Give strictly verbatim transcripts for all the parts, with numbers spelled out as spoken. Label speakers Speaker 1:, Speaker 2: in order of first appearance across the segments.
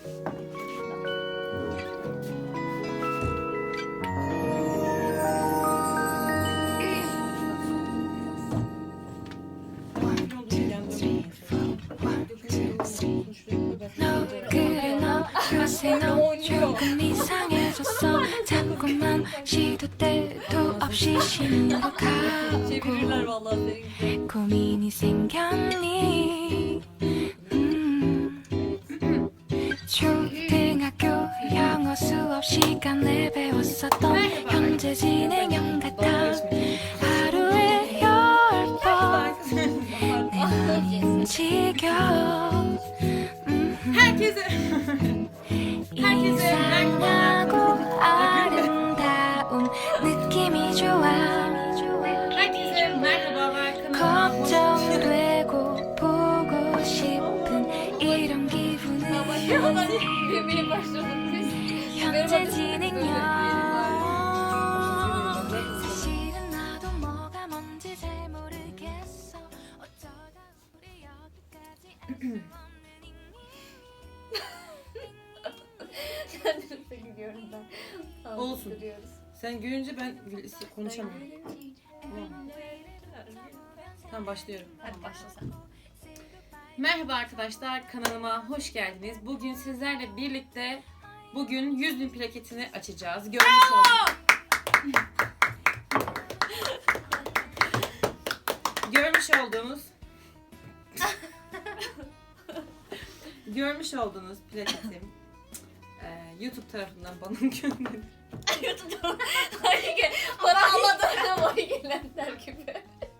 Speaker 1: 조금 이상해졌어. 자꾸만 시도 때도 없이 심각하고 고민이 생겼니. 음. 초등학교 영어 수업 시간에 배웠었던 현재 진행형 같아. 하루에 열 번 내 맘이 움직여. 이상하고 아름다운 느낌이 좋아. 걱정되고 보고 싶은 이런 기분은 현재 진행형. 사실은 나도 뭐가 뭔지 잘 모르겠어. 어쩌다 우리 여기까지 알 수 없는
Speaker 2: Olsun. Sen gülünce ben konuşamıyorum. Tamam. Tamam, başlıyorum.
Speaker 3: Hadi başla sen.
Speaker 2: Merhaba arkadaşlar, kanalıma hoş geldiniz. Bugün sizlerle birlikte bugün yüz bin plaketini açacağız. Görmüş olduğunuz Görmüş olduğunuz Görmüş olduğunuz plaketim e, YouTube tarafından bana gönderildi.
Speaker 3: YouTube'da para almadığını boy gelenler gibi.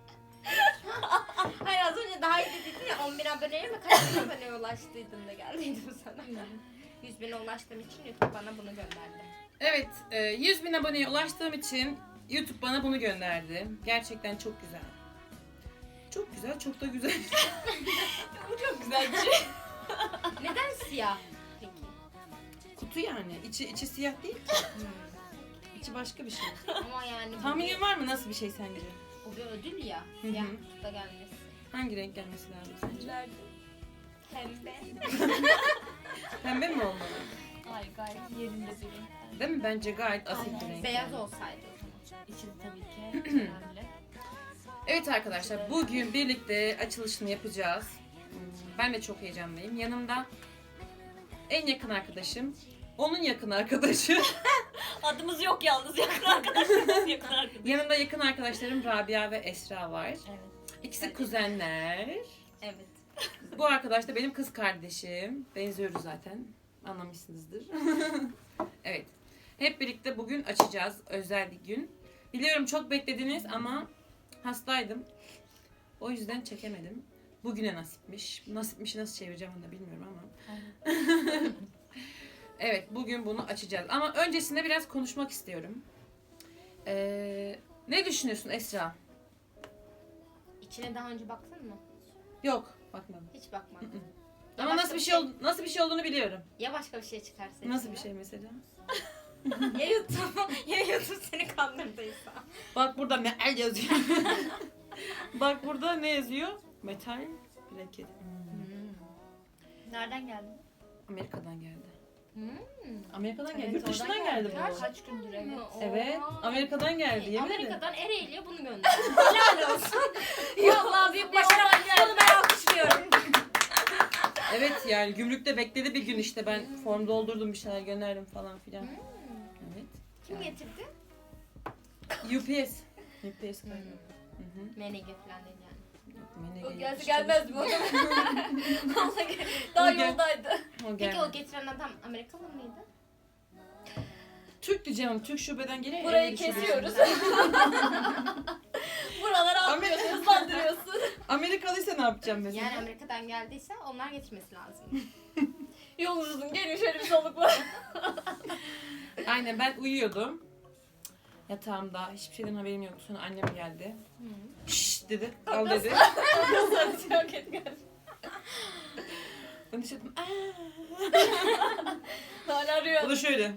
Speaker 3: Hayır, az önce daha iyi dedin ya, on bin aboneye mi kaç bin aboneye ulaştıydın da geldiydim sana. yüz bine ulaştığım için YouTube bana bunu gönderdi.
Speaker 2: Evet, e, yüz bin aboneye ulaştığım için YouTube bana bunu gönderdi. Gerçekten çok güzel. Çok güzel, çok da güzel.
Speaker 3: Bu çok güzel bir şey. Neden siyah peki?
Speaker 2: Kutu yani. İçi, içi siyah değil ki. İçi başka bir şey.
Speaker 3: Ama yani bu
Speaker 2: Tahminin
Speaker 3: bir,
Speaker 2: var mı nasıl bir şey sence?
Speaker 3: bu bir ödül ya.
Speaker 2: Hı hı.
Speaker 3: Siyah kutuda gelmesi.
Speaker 2: Hangi renk gelmesi lazım sence?
Speaker 3: Pembe.
Speaker 2: Pembe mi olmalı?
Speaker 3: Hayır, gayet yerinde bir renk.
Speaker 2: Değil mi? Bence gayet asil bir renk.
Speaker 3: Beyaz
Speaker 2: yani.
Speaker 3: olsaydı o zaman. İçi de tabii ki önemli.
Speaker 2: Evet arkadaşlar, bugün birlikte açılışını yapacağız. Ben de çok heyecanlıyım. Yanımda en yakın arkadaşım, onun yakın arkadaşı.
Speaker 3: Adımız yok yalnız, yakın arkadaşlarımız yakın arkadaşlar.
Speaker 2: Yanımda yakın arkadaşlarım Rabia ve Esra var.
Speaker 3: Evet.
Speaker 2: İkisi kuzenler.
Speaker 3: Evet.
Speaker 2: Bu arkadaş da benim kız kardeşim. Benziyoruz zaten. Anlamışsınızdır. Evet. Hep birlikte bugün açacağız. Özel bir gün. Biliyorum çok beklediniz ama hastaydım. O yüzden çekemedim. Bugüne nasipmiş. Nasipmişi nasıl çevireceğim onu da bilmiyorum ama. Evet, bugün bunu açacağız. Ama öncesinde biraz konuşmak istiyorum. Ee, ne düşünüyorsun Esra?
Speaker 3: İçine daha önce baktın mı?
Speaker 2: Yok, bakmadım.
Speaker 3: Hiç bakmadım. Ya
Speaker 2: Ama
Speaker 3: başka
Speaker 2: nasıl bir
Speaker 3: bir
Speaker 2: şey
Speaker 3: şey-
Speaker 2: ol- nasıl bir şey olduğunu biliyorum.
Speaker 3: Ya başka bir şey çıkarsa?
Speaker 2: Nasıl bir
Speaker 3: içinden?
Speaker 2: şey mesela?
Speaker 3: Ya YouTube, ya YouTube seni kandırdıysa.
Speaker 2: Bak burada metal yazıyor. Bak burada ne yazıyor? Metal plaket.
Speaker 3: Nereden geldin?
Speaker 2: Amerika'dan geldi.
Speaker 3: Hmm.
Speaker 2: Amerika'dan geldi.
Speaker 3: Evet,
Speaker 2: Yurt dışından
Speaker 3: oradan
Speaker 2: geldi
Speaker 3: geldi.
Speaker 2: bu.
Speaker 3: Kaç gündür evet.
Speaker 2: Evet, Amerika'dan geldi. Yemin ederim.
Speaker 3: Amerika'dan Ereğli'ye bunu gönderdi. Helal olsun. Vallahi büyük başarı. Bunu ben alkışlıyorum.
Speaker 2: Evet yani gümrükte bekledi bir gün işte ben form doldurdum bir şeyler gönderdim falan filan.
Speaker 3: Hmm.
Speaker 2: Evet.
Speaker 3: Kim getirdi?
Speaker 2: U P S. U P S kaydı. Hı hı.
Speaker 3: M N G falan değil yani.
Speaker 2: M N G
Speaker 3: O gelse
Speaker 2: yapmış
Speaker 3: gelmezdi bu
Speaker 2: çalıştım.
Speaker 3: adamın. Daha
Speaker 2: O gel-
Speaker 3: yoldaydı.
Speaker 2: O
Speaker 3: Peki
Speaker 2: geldi.
Speaker 3: o getiren adam Amerikalı mıydı?
Speaker 2: Türk diyeceğim. Türk şubeden geliyor.
Speaker 3: Burayı
Speaker 2: Ereğli şubesinden.
Speaker 3: kesiyoruz. Buraları atlıyorsun, hızlandırıyorsun.
Speaker 2: Amerikalıysa ne yapacağım mesela?
Speaker 3: Yani Amerika'dan geldiyse onlar getirmesi lazım. Yolunuz uzun, gelin şöyle bir soluk var.
Speaker 2: Aynen ben uyuyordum. Yatağımda hiçbir şeyden haberim yoktu. Sonra annem geldi. Şşş dedi. Al dedi.
Speaker 3: Sadece çok kötü geldi.
Speaker 2: Ben de şey dedim.
Speaker 3: Hala
Speaker 2: O
Speaker 3: arıyor.
Speaker 2: da şöyle.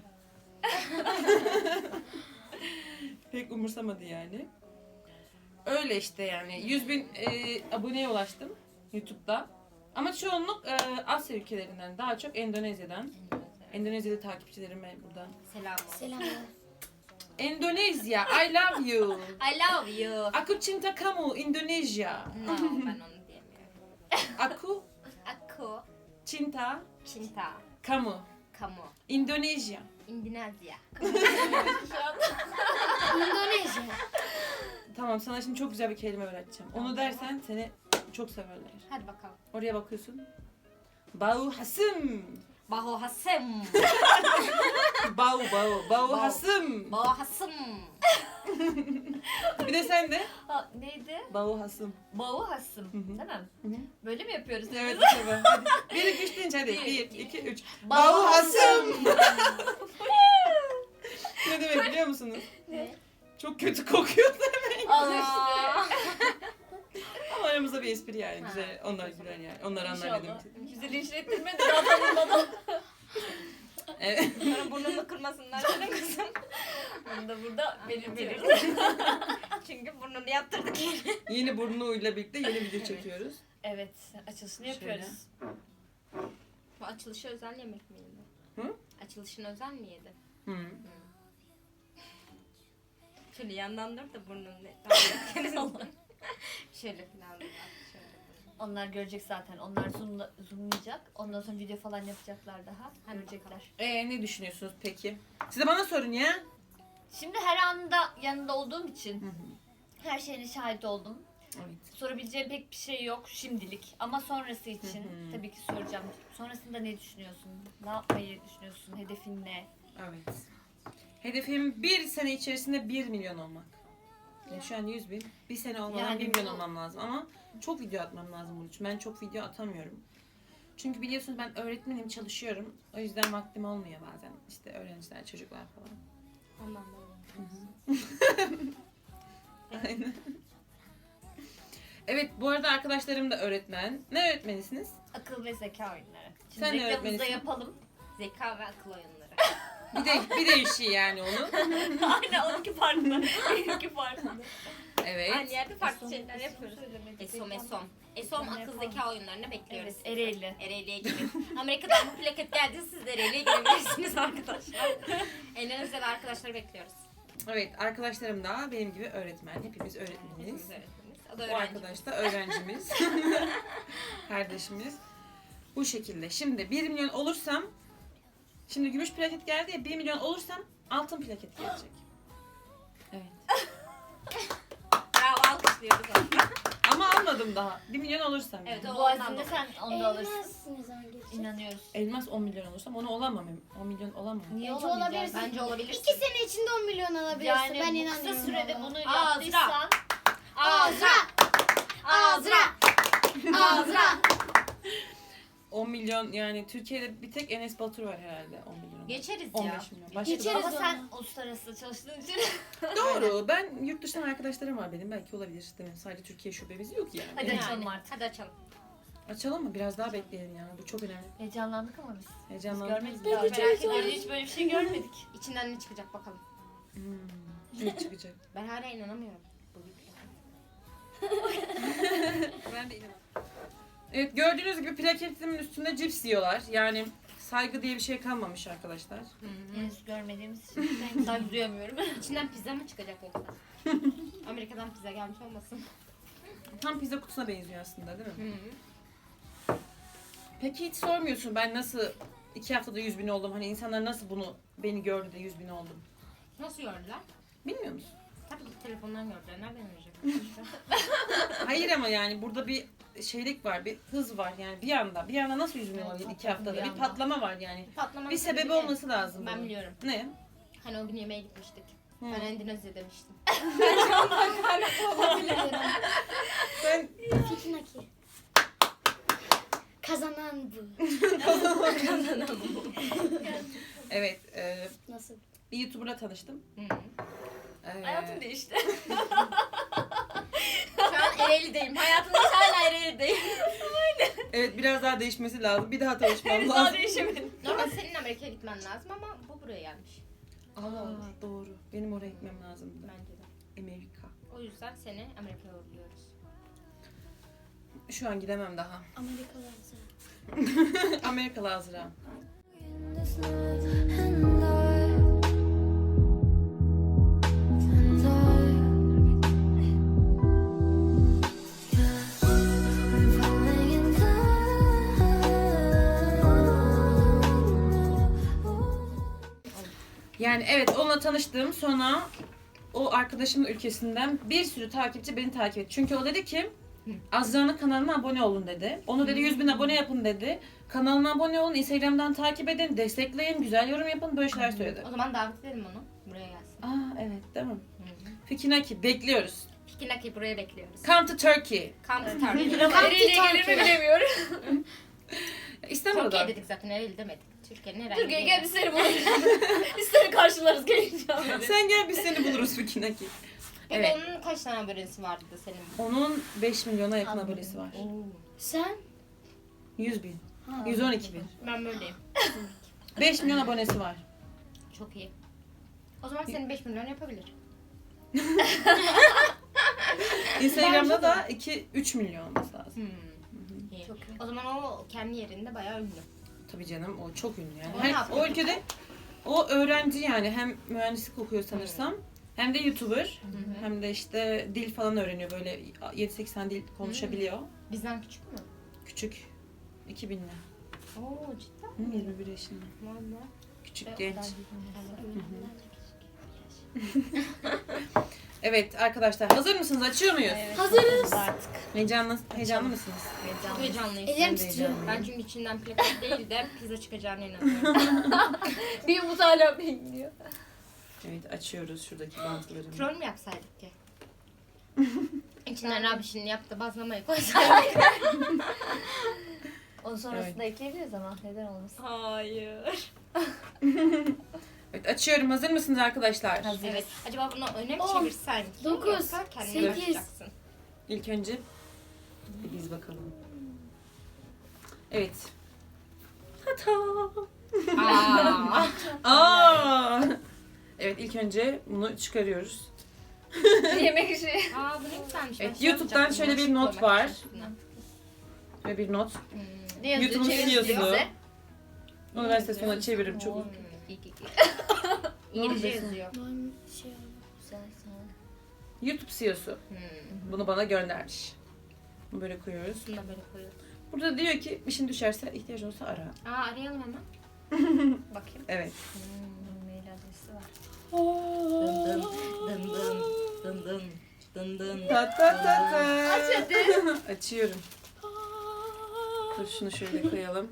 Speaker 2: Pek umursamadı yani. Öyle işte yani. yüz bin e, aboneye ulaştım YouTube'da. Ama çoğunluk e, Asya ülkelerinden, daha çok Endonezya'dan. Endonezya'da takipçilerime buradan.
Speaker 3: Selam olsun.
Speaker 4: Selamlar.
Speaker 2: Endonezya, I love you.
Speaker 3: I love you.
Speaker 2: Aku cinta kamu, Endonezya.
Speaker 3: No, ben onu diyemiyorum.
Speaker 2: Aku
Speaker 3: Aku,
Speaker 2: cinta
Speaker 3: cinta,
Speaker 2: kamu,
Speaker 3: kamu,
Speaker 2: Endonezya.
Speaker 3: Endonezya.
Speaker 4: Endonezya.
Speaker 2: Tamam, sana şimdi çok güzel bir kelime öğreteceğim. Onu dersen seni çok severler.
Speaker 3: Hadi bakalım.
Speaker 2: Oraya bakıyorsun. Bau hasım.
Speaker 3: Baho hasım.
Speaker 2: Bau bau. Bau
Speaker 3: Bau.
Speaker 2: hasım.
Speaker 3: Baho hasım.
Speaker 2: Bir de sen de.
Speaker 5: Ha, neydi?
Speaker 2: Bau hasım.
Speaker 5: Bağı hasım.
Speaker 2: Hı hı.
Speaker 5: Değil mi?
Speaker 2: Hı hı.
Speaker 5: Böyle mi yapıyoruz?
Speaker 2: Evet, tabii. Hadi. Bir, iki, üç deyince hadi.
Speaker 5: Bir,
Speaker 2: Bir,
Speaker 5: iki,
Speaker 2: iki, üç.
Speaker 5: Bau
Speaker 2: Bau hasım. Ne demek biliyor musunuz?
Speaker 3: Ne?
Speaker 2: Çok kötü kokuyor demek.
Speaker 5: Al işte.
Speaker 2: Ama aramızda bir espri yani.
Speaker 3: Ha.
Speaker 2: Güzel. Onlar güler yani. Onlar anlar ne demek.
Speaker 5: İnşallah. Bizi linç ettirmedi daha tanınmadan.
Speaker 2: Evet.
Speaker 3: Sonra burnunu kırmasınlar canım kızım.
Speaker 5: Bunu da burada belirtelim.
Speaker 3: Çünkü burnunu yaptırdık yine.
Speaker 2: Yeni burnuyla birlikte yeni video çekiyoruz.
Speaker 5: Evet, açılışını
Speaker 2: Şöyle.
Speaker 5: yapıyoruz.
Speaker 3: Bu açılışı özel yemek mi yedi?
Speaker 2: Hı?
Speaker 3: Açılışını özel mi yedi?
Speaker 2: Hı.
Speaker 3: Şöyle yandan dur da burnunu ne? Şöyle falan dur. Şöyle.
Speaker 5: Onlar görecek zaten. Onlar zoomla, zoomlayacak. Ondan sonra video falan yapacaklar daha.
Speaker 3: Hadi
Speaker 5: Görecekler.
Speaker 2: Ee, ne düşünüyorsunuz peki? Siz de bana sorun ya.
Speaker 5: Şimdi her anda yanında olduğum için
Speaker 2: Hı hı.
Speaker 5: her şeyine şahit oldum.
Speaker 2: Evet.
Speaker 5: Sorabileceğim pek bir şey yok şimdilik. Ama sonrası için
Speaker 2: Hı hı.
Speaker 5: tabii ki soracağım. Sonrasında ne düşünüyorsun? Ne yapmayı düşünüyorsun? Hedefin ne?
Speaker 2: Evet. Hedefim bir sene içerisinde bir milyon olmak. Yani şu an yüz bin. Bir sene olmadan
Speaker 5: Yani
Speaker 2: bir milyon
Speaker 5: bu-
Speaker 2: olmam lazım ama çok video atmam lazım bunun için. Ben çok video atamıyorum. Çünkü biliyorsunuz ben öğretmenim, çalışıyorum. O yüzden vaktim olmuyor bazen. İşte öğrenciler, çocuklar falan.
Speaker 3: Ondan da.
Speaker 2: Aynen. Evet, bu arada arkadaşlarım da öğretmen. Ne öğretmenisiniz?
Speaker 5: Akıl ve zeka oyunları. Şimdi
Speaker 2: Sen ne
Speaker 5: reklamımızı da
Speaker 2: öğretmenisin?
Speaker 5: yapalım.
Speaker 3: Zeka ve akıl oyunları.
Speaker 2: Bir de bir değişiği yani onun.
Speaker 5: Aynen onunki farklı. Benimki farklı.
Speaker 2: Evet.
Speaker 3: Aynı yerde farklı
Speaker 5: Esom-
Speaker 3: şeyler
Speaker 5: esom
Speaker 3: yapıyoruz.
Speaker 5: söylemedik.
Speaker 3: Esom esom. Esom
Speaker 5: Esom
Speaker 3: akıl
Speaker 5: yapalım.
Speaker 3: zeka oyunlarını bekliyoruz.
Speaker 5: Evet, Ereğli.
Speaker 3: Ereğli'ye gelin. Amerika'dan bu plaket geldi, siz de Ereğli'ye gelebilirsiniz arkadaşlar. Endonezyalı arkadaşları bekliyoruz.
Speaker 2: Evet, arkadaşlarım da benim gibi öğretmen. Hepimiz öğretmeniz.
Speaker 3: Hepimiz öğretmeniz. O da
Speaker 2: Bu
Speaker 3: öğrenci.
Speaker 2: arkadaş da öğrencimiz. Kardeşimiz. Bu şekilde. Şimdi bir milyon olursam, şimdi gümüş plaket geldi ya, bir milyon olursam altın plaket gelecek. Evet.
Speaker 3: Bravo, alkışlıyoruz onu.
Speaker 2: Ama almadım daha. bir milyon olursam.
Speaker 3: Evet,
Speaker 2: yani.
Speaker 3: o-
Speaker 5: Bu azimde sen onu da alırsın.
Speaker 4: Elmas ne zaman gelecek?
Speaker 5: İnanıyoruz.
Speaker 2: Elmas on milyon olursam onu olamam. on milyon olamam.
Speaker 5: Niye
Speaker 4: Bence
Speaker 5: olamayacağız?
Speaker 4: olabilirsin.
Speaker 3: Bence olabilir.
Speaker 4: İki sene içinde on milyon alabilirsin.
Speaker 5: Yani
Speaker 4: ben
Speaker 5: bu
Speaker 4: inanıyorum.
Speaker 5: kısa sürede
Speaker 4: ona.
Speaker 5: bunu
Speaker 3: Azra.
Speaker 5: yaptıysan
Speaker 3: Azra!
Speaker 4: Azra! Azra!
Speaker 2: on milyon yani Türkiye'de bir tek Enes Batur var herhalde on milyon.
Speaker 3: Geçeriz
Speaker 2: on
Speaker 3: ya.
Speaker 2: beş milyon. Başka
Speaker 4: Geçeriz.
Speaker 2: da-
Speaker 5: ama sen uluslararası çalıştığın için
Speaker 2: Doğru. Ben yurt dışından arkadaşlarım var benim. Belki olabilir. Değil mi? Sadece Türkiye şubemiz yok yani.
Speaker 5: Hadi
Speaker 2: Yani.
Speaker 5: açalım artık.
Speaker 3: Hadi açalım.
Speaker 2: Açalım mı? Biraz daha bekleyelim yani. Bu çok önemli.
Speaker 5: heyecanlandık ama biz. Biz
Speaker 2: Heyecanlandım.
Speaker 5: görmedik.
Speaker 4: Ben
Speaker 5: daha.
Speaker 4: de
Speaker 5: Merak
Speaker 4: çok
Speaker 5: ediyoruz.
Speaker 4: heyecanlıyım.
Speaker 5: Hiç böyle bir şey görmedik.
Speaker 3: İçinden ne çıkacak bakalım.
Speaker 2: Hmm. Ne çıkacak?
Speaker 3: Ben hala inanamıyorum. Bu bir plaket.
Speaker 2: Ben de inanamıyorum. Evet, gördüğünüz gibi plaketimin üstünde cips yiyorlar. Yani saygı diye bir şey kalmamış arkadaşlar.
Speaker 5: Henüz görmediğimiz için ben saygı duyamıyorum.
Speaker 3: İçinden pizza mı çıkacak yoksa? Amerika'dan pizza gelmiş olmasın?
Speaker 2: Tam pizza kutusuna benziyor aslında değil mi?
Speaker 3: Hı.
Speaker 2: Peki hiç sormuyorsun ben nasıl iki haftada yüz bin oldum? Hani insanlar nasıl bunu beni gördü de yüz bin oldum?
Speaker 3: Nasıl gördüler?
Speaker 2: Bilmiyor musun?
Speaker 3: Tabii ki telefondan gördüler. Nereden görecek?
Speaker 2: Hayır ama yani burada bir şeylik var, bir hız var yani bir anda. Bir anda nasıl yüz bin
Speaker 5: Evet,
Speaker 2: olabilir iki
Speaker 5: hakikaten
Speaker 2: haftada?
Speaker 5: bir
Speaker 2: Bir
Speaker 5: anda.
Speaker 2: patlama var yani.
Speaker 3: Patlamanın
Speaker 2: Bir sebebi
Speaker 3: sebebi
Speaker 2: olması lazım.
Speaker 3: Ben
Speaker 2: bunun.
Speaker 3: biliyorum.
Speaker 2: Ne?
Speaker 3: Hani o gün yemeğe gitmiştik.
Speaker 2: Hı.
Speaker 3: Ben Endonezya demiştim.
Speaker 2: Ben
Speaker 4: Fiknaki. Kazanan bu.
Speaker 2: evet e,
Speaker 4: Nasıl?
Speaker 2: bir YouTuber'la tanıştım.
Speaker 3: Hı.
Speaker 2: E,
Speaker 5: Hayatım değişti.
Speaker 3: Şu an Ereğli'deyim. Hayatımda hala Ereğli'deyim.
Speaker 2: Evet biraz daha değişmesi lazım. Bir daha tanışmam
Speaker 5: Henüz daha
Speaker 2: lazım.
Speaker 5: değişemedim.
Speaker 3: Normal senin Amerika'ya gitmen lazım ama bu buraya gelmiş.
Speaker 2: Aa, doğru. Benim oraya gitmem lazımdı.
Speaker 3: Bence de.
Speaker 2: Amerika.
Speaker 3: O yüzden seni Amerika'ya uğurluyoruz.
Speaker 2: Şu an gidemem daha.
Speaker 4: Amerikalı Azra.
Speaker 2: Amerikalı Azra.
Speaker 1: In this life and life and life. Yeah, I'm falling in love.
Speaker 2: Yani evet onunla tanıştım. Sonra o arkadaşımın ülkesinden bir sürü takipçi beni takip etti. Çünkü o dedi ki Azra'nın kanalına abone olun dedi. Onu dedi yüz bin abone yapın dedi. Kanalıma abone olun, Instagram'dan takip edin, destekleyin, güzel yorum yapın, böyle şeyler söyledi.
Speaker 3: O zaman davet edelim onu. Buraya gelsin.
Speaker 2: Aa evet değil mi? Fikinaki bekliyoruz.
Speaker 3: Fikinaki buraya bekliyoruz.
Speaker 2: Come to Turkey.
Speaker 3: Come to Turkey.
Speaker 5: Nereye gelir mi bilemiyorum.
Speaker 2: İstanbul'da.
Speaker 3: Türkiye dedik zaten, nereli demedik. Türkiye'nin herhangi
Speaker 5: Türkiye'ye
Speaker 3: bir
Speaker 5: gel biz seni buluruz. Biz seni karşılarız gelince.
Speaker 2: Sen gel biz seni buluruz Fikinaki.
Speaker 3: Peki
Speaker 2: Evet.
Speaker 3: onun kaç tane abonesi vardı da senin?
Speaker 2: Onun beş milyona yakın
Speaker 5: Anladım.
Speaker 2: abonesi var.
Speaker 4: Sen?
Speaker 2: yüz bin.
Speaker 4: Ha.
Speaker 2: yüz on iki bin.
Speaker 3: Ben böyleyim.
Speaker 2: beş milyon abonesi var.
Speaker 3: Çok iyi. O zaman senin beş milyon yapabilir.
Speaker 2: Instagram'da da iki üç milyon olması lazım.
Speaker 3: Hmm. İyi.
Speaker 4: Çok iyi.
Speaker 3: O zaman o kendi yerinde bayağı ünlü.
Speaker 2: Tabii canım o çok ünlü yani.
Speaker 3: O ne
Speaker 2: Her,
Speaker 3: yapıyor?
Speaker 2: o ülkede o öğrenci yani hem mühendislik okuyor sanırsam hem de YouTuber hem de işte dil falan öğreniyor böyle yedi sekiz tane dil konuşabiliyor.
Speaker 3: Bizden küçük mü?
Speaker 2: Küçük iki binli.
Speaker 3: Oo cidden.
Speaker 2: Hı, yirmi bir yaşında.
Speaker 3: Valla.
Speaker 2: Küçük genç. Evet arkadaşlar hazır mısınız? Açıyor muyuz?
Speaker 4: Hazırız.
Speaker 5: Artık.
Speaker 2: Heyecanlı, heyecanlı mısınız?
Speaker 3: Çok heyecanlıyım.
Speaker 4: Ellerim
Speaker 2: de
Speaker 4: titriyor.
Speaker 3: Ben çünkü içinden plaket değil de pizza çıkacağına inanıyorum.
Speaker 5: Bir umut hala bekliyor.
Speaker 2: Evet açıyoruz şuradaki bantlarını.
Speaker 3: Troll mü yapsaydık ki? İçinden Rabiş'in yaptığı bazlamayı koysaydık.
Speaker 5: Onun sonrasında ekleyebiliriz ama neden olmasın?
Speaker 3: Hayır.
Speaker 2: Evet açıyorum. Hazır mısınız arkadaşlar?
Speaker 5: Hazır.
Speaker 3: Evet. Acaba bunu öne mi
Speaker 4: On,
Speaker 3: çevirsen ki?
Speaker 4: dokuz,
Speaker 3: Yoksa kendine
Speaker 4: sekiz.
Speaker 3: bırakacaksın.
Speaker 2: İlk önce bir biz bakalım. Evet. Tata.
Speaker 3: Aa.
Speaker 2: Aa. Evet ilk önce bunu çıkarıyoruz.
Speaker 5: Yemek işi.
Speaker 3: Aa bu ne güzelmiş.
Speaker 2: Evet,
Speaker 3: Ben şey
Speaker 2: YouTube'dan
Speaker 3: yapacaktım,
Speaker 2: şöyle bir
Speaker 3: bulaşık
Speaker 2: not
Speaker 3: koymak
Speaker 2: var.
Speaker 3: için üstüne.
Speaker 2: Ve bir not.
Speaker 3: Hmm.
Speaker 5: Ne yazıyor?
Speaker 2: YouTube'un
Speaker 5: Çevir
Speaker 2: C E O'su.
Speaker 5: bize.
Speaker 2: Onu ben size sonra çeviririm çok.
Speaker 3: Hmm. İyi, iyi, iyi. İngilizce yazıyor.
Speaker 4: Ben şey
Speaker 5: Güzel, sağ ol.
Speaker 2: YouTube C E O'su.
Speaker 3: Hmm.
Speaker 2: Bunu bana göndermiş. Bunu böyle koyuyoruz.
Speaker 3: Bunu da böyle koyuyoruz.
Speaker 2: Burada diyor ki işin düşerse ihtiyaç olsa ara.
Speaker 3: Aa arayalım hemen. Bakayım.
Speaker 2: Evet.
Speaker 5: Hmm, mail adresi var.
Speaker 3: Dın dın dın dın dın dın dın dın.
Speaker 2: Ta ta ta ta.
Speaker 5: Aç hadi.
Speaker 2: Açıyorum. Dur şunu şöyle koyalım.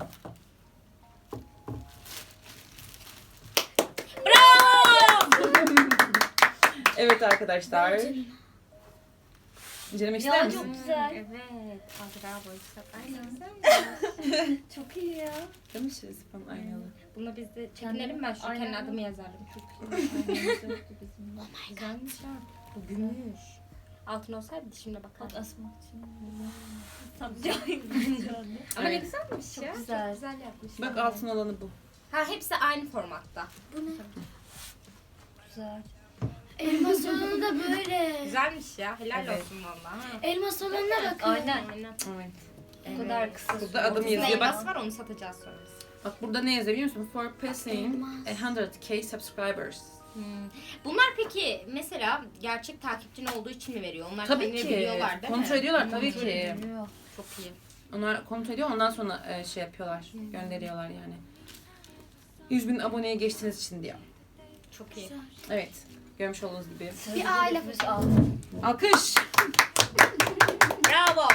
Speaker 2: Evet arkadaşlar. İncelemek ister
Speaker 5: Ya
Speaker 2: misin?
Speaker 5: çok güzel.
Speaker 3: Evet. Azra boysak. Aynen.
Speaker 5: Çok iyi ya.
Speaker 2: Değil mi şey falan aynalı?
Speaker 3: Buna biz de çekinelim, ben şu
Speaker 5: Aynen.
Speaker 3: kendi adımı yazardım. Çok iyi. Güzelmiş ha. Bu gümüş. Altın olsaydı şimdi
Speaker 5: Bak
Speaker 3: bakalım.
Speaker 5: asmak için. Tam cahil.
Speaker 3: Ama ne
Speaker 2: Evet.
Speaker 3: güzelmiş
Speaker 5: Çok
Speaker 3: ya.
Speaker 5: güzel.
Speaker 3: Çok güzel yapmışlar.
Speaker 2: Bak altın olanı bu.
Speaker 3: Ha hepsi aynı formatta.
Speaker 4: Bu ne?
Speaker 5: Güzel.
Speaker 4: Elma salonu da böyle.
Speaker 3: Güzelmiş ya. Helal
Speaker 2: Evet.
Speaker 3: olsun valla. ha.
Speaker 4: Elma salonuna bakın.
Speaker 5: Aynen.
Speaker 3: Aynen.
Speaker 2: Evet.
Speaker 5: Bu kadar kısa.
Speaker 2: Burada adım
Speaker 3: Bizim
Speaker 2: yazıyor. Bak,
Speaker 3: elmas var, onu satacağız sonra biz.
Speaker 2: bak burada ne yazıyor biliyor musun? For passing
Speaker 4: Elmas.
Speaker 2: one hundred K subscribers.
Speaker 3: Hmm. Bunlar peki mesela gerçek takipçin olduğu için mi veriyor? Onlar
Speaker 2: Tabii
Speaker 3: kendileri
Speaker 2: ki.
Speaker 3: biliyorlar değil
Speaker 2: Kontrol
Speaker 3: mi?
Speaker 2: ediyorlar tabii
Speaker 3: Kontrol
Speaker 2: ki.
Speaker 5: Bilmiyor.
Speaker 3: Çok iyi.
Speaker 2: Onlar kontrol ediyor ondan sonra e, şey yapıyorlar. Gönderiyorlar yani. yüz bin aboneye geçtiğiniz için diyor.
Speaker 3: Çok iyi.
Speaker 2: Evet. Görmüş olduğunuz gibi.
Speaker 4: Bir aile
Speaker 5: fotoğrafı al.
Speaker 2: Alkış.
Speaker 3: Bravo.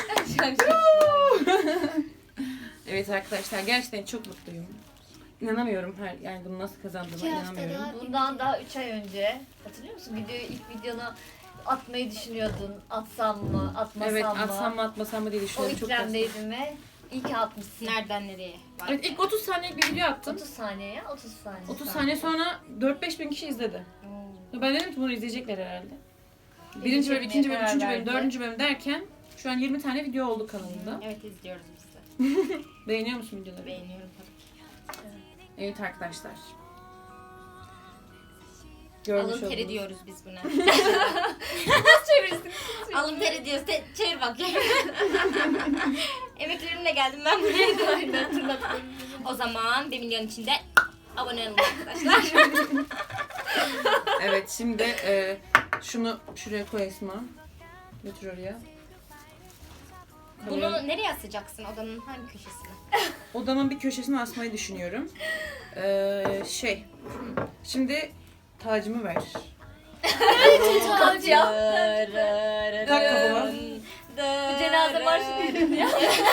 Speaker 2: Evet arkadaşlar gerçekten çok mutluyum. İnanamıyorum her yani bunu nasıl kazandığıma
Speaker 4: İki hafta
Speaker 2: inanamıyorum.
Speaker 4: daha-
Speaker 5: Bundan daha üç ay önce hatırlıyor musun? Videoyu ilk videonu atmayı düşünüyordun. Atsam mı, atmasam
Speaker 2: Evet
Speaker 5: mı?
Speaker 2: atsam mı atmasam mı diye
Speaker 5: O
Speaker 2: düşünüyorum. Çok basit.
Speaker 5: ikramdaydım ve iyi ki atmışsın.
Speaker 3: Nereden nereye? Var.
Speaker 2: Evet ilk otuz saniyelik bir video attım.
Speaker 5: otuz saniye ya, otuz saniye.
Speaker 2: otuz saniye sonra dört beş bin kişi izledi.
Speaker 3: Oo.
Speaker 2: Ben dedim ki bunu izleyecekler herhalde. Birinci bölüm,
Speaker 5: İzleyecekler
Speaker 2: ikinci bölüm,
Speaker 5: karar
Speaker 2: üçüncü bölüm,
Speaker 5: verdi.
Speaker 2: dördüncü bölüm derken şu an yirmi tane video oldu kanalımda.
Speaker 3: Evet izliyoruz biz de.
Speaker 2: Beğeniyor musun videoları?
Speaker 3: Beğeniyorum tabii ki.
Speaker 2: Evet arkadaşlar. görmüş
Speaker 3: Alın teri
Speaker 2: oldunuz.
Speaker 3: diyoruz biz buna.
Speaker 5: Çevirsin.
Speaker 3: Alın teri diyoruz. Te- çevir bak. Emeklerimle geldim ben buraya.
Speaker 5: Aynen tırnaklarım.
Speaker 3: O zaman bir milyon içinde abone olun arkadaşlar.
Speaker 2: Evet şimdi e, şunu şuraya koy Esma. Götür oraya.
Speaker 3: Bunu nereye asacaksın? Odanın hangi köşesine?
Speaker 2: Odamın bir köşesine asmayı düşünüyorum. Ee, şey. Şimdi tacımı ver.
Speaker 5: Kaç ya.
Speaker 2: Tak kabıma.
Speaker 5: Bu cenaze marşı verin ya.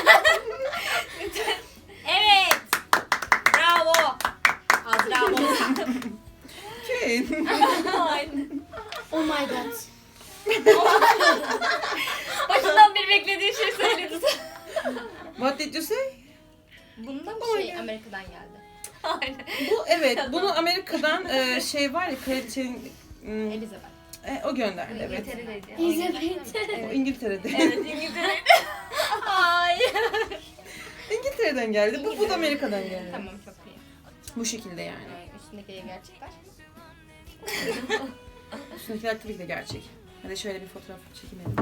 Speaker 3: Evet. Bravo. Azra olsa.
Speaker 2: Okay.
Speaker 5: Aynen.
Speaker 4: Oh my god.
Speaker 5: Başından beri beklediği şey söyledi.
Speaker 2: What did you say?
Speaker 3: Bundan bir şey Amerika'dan geldi.
Speaker 5: Aynen.
Speaker 2: Bu evet. Bunu Amerika'dan e, şey var ya kraliçenin hmm,
Speaker 3: Elizabeth.
Speaker 2: e, o gönderdi evet.
Speaker 5: İngiltere'deydi.
Speaker 4: İzlemeyin.
Speaker 2: O İngiltere'de.
Speaker 5: Evet İngiltere'deydi. Hayır.
Speaker 2: İngiltere'den geldi. Bu, bu da Amerika'dan geldi.
Speaker 3: Tamam çok iyi.
Speaker 2: Bu şekilde yani.
Speaker 3: Ee, üstündekileri gerçekler.
Speaker 2: Üstündekiler tabii ki de gerçek. Hadi şöyle bir fotoğraf çekelim.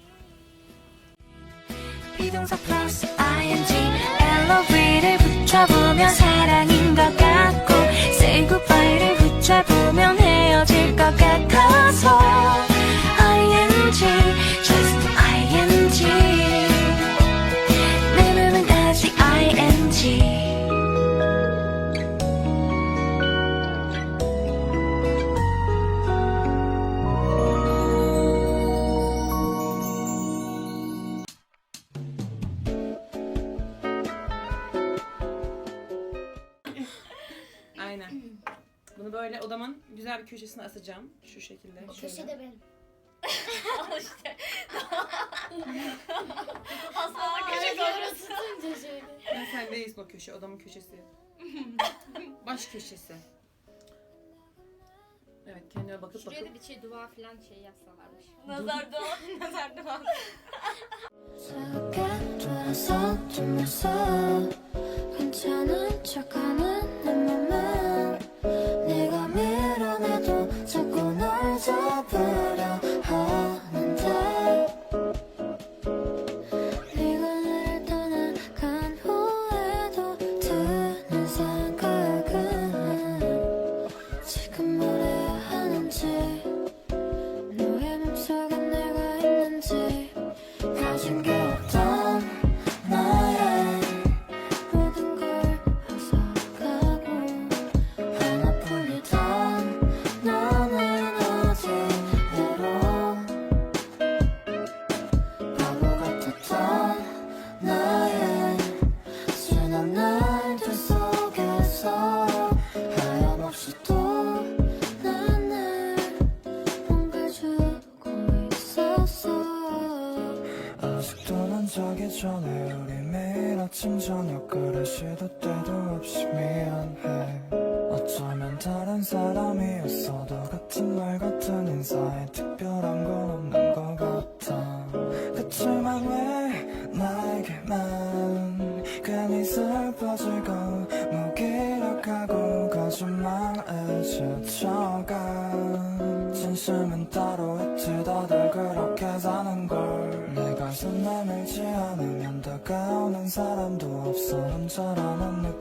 Speaker 1: 비동사 플러스 ing 엘로브를 붙여보면 사랑인 것 같고 say goodbye를 붙여보면 헤어질 것 같아서 ing just ing 내 맘은 아직 ing
Speaker 2: Aynen. Bunu böyle odamın güzel bir köşesine asacağım. Şu şekilde.
Speaker 4: O
Speaker 2: şöyle.
Speaker 4: köşe de benim.
Speaker 5: Al işte. Aslında köşe
Speaker 4: Böyle
Speaker 5: sonrası.
Speaker 4: tutunca şöyle.
Speaker 2: Ben sen değilsin o köşe. Odamın köşesi. Baş köşesi. Evet kendime bakıp
Speaker 3: Şuraya
Speaker 2: bakıp.
Speaker 3: da bir şey dua falan şey yazsalarmış.
Speaker 5: Nazar dua.
Speaker 3: Nazar dua.
Speaker 1: 작게 돌아서 주면서 괜찮은 척하는 내 맘은 네가 밀어내도 자꾸 널 잡으려 하는데 네가 나를 떠나간 후에도 드는 생각은 지금 뭘 해야 하는지 너의 맘속에 내가 있는지 가진 게 없던 나의 모든 걸 뺏어가고 하나뿐이던 너는 어디로 바보 같았던 나의 순한 날들 속에서 하염없이 또 난 날 뭔가 주고 있었어
Speaker 6: 아직도 난 자기 전에 우리 매일 아침 저녁 그래 시도 때도 없이 미안해 어쩌면 다른 사람이었어도 같은 말 같은 인사에 특별한 건 없는 것 같아 그치만 왜 나에게만 괜히 슬퍼지고 무기력하고 거짓말에 지쳐가 진심은 따로 있지 다들 그렇게 사는 걸 내가 손 내밀지 않으면 다가오는 사람도 없어 혼자라는 느낌